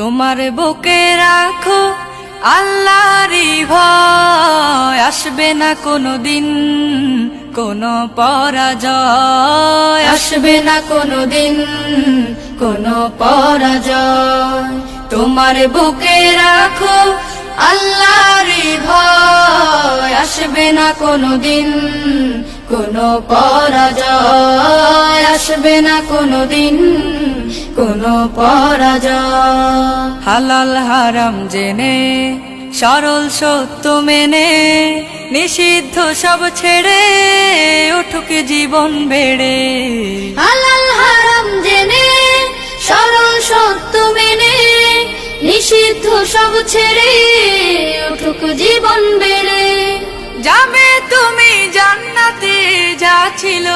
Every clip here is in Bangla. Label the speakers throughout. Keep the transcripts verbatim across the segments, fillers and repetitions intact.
Speaker 1: তোমার বুকে রাখো আল্লাহরই ভয়, আসবে না কোনো দিন কোনো পরাজয়, আসবে না কোনো দিন কোনো পরাজয়। তোমার বুকে রাখো আল্লাহরই ভয়, আসবে না কোনো দিন কোনো পরাজয়, আসবে না কোনো দিন কোনো পরাজয়। হালাল হারাম জেনে সরল সত্য মেনে নিষিদ্ধ সব ছেড়ে উঠুক জীবন বেড়ে।
Speaker 2: হালাল হারাম জেনে সরল সত্য মেনে নিষিদ্ধ সব ছেড়ে উঠুক জীবন বেড়ে।
Speaker 1: যাবে তুমি জান্নাতে যা ছিল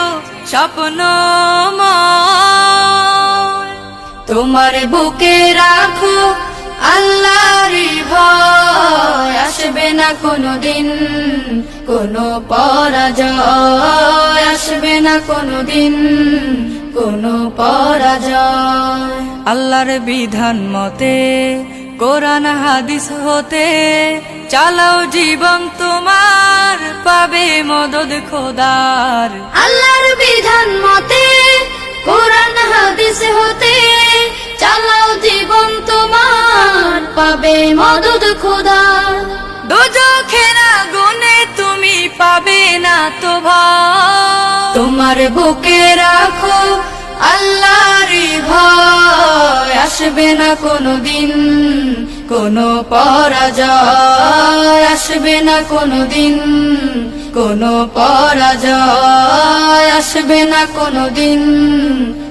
Speaker 1: স্বপ্নময়, তোমার বুকে রাখো আল্লাহরই ভয়, আসবে না কোনো দিন কোনো পরাজয়, আসবে না কোনো দিন কোনো পরাজয়। আল্লাহর বিধান মতে কোরআন হাদিস হতে চালাও জীবন তোমার, পাবে মদদ খোদার।
Speaker 2: আল্লাহর বিধান মতে কোরআন হাদিস হতে চালাও জীবন তোমার, পাবে মদদ খোদার।
Speaker 1: দোজখের আগুনে তুমি পাবে না তো ভয়, তোমার বুকে রাখো আল্লাহরই ভয়, আসবে না কোনো দিন কোনো পরাজয়, আসবে না কোনো দিন কোনো পরাজয়, আসবে না কোনো দিন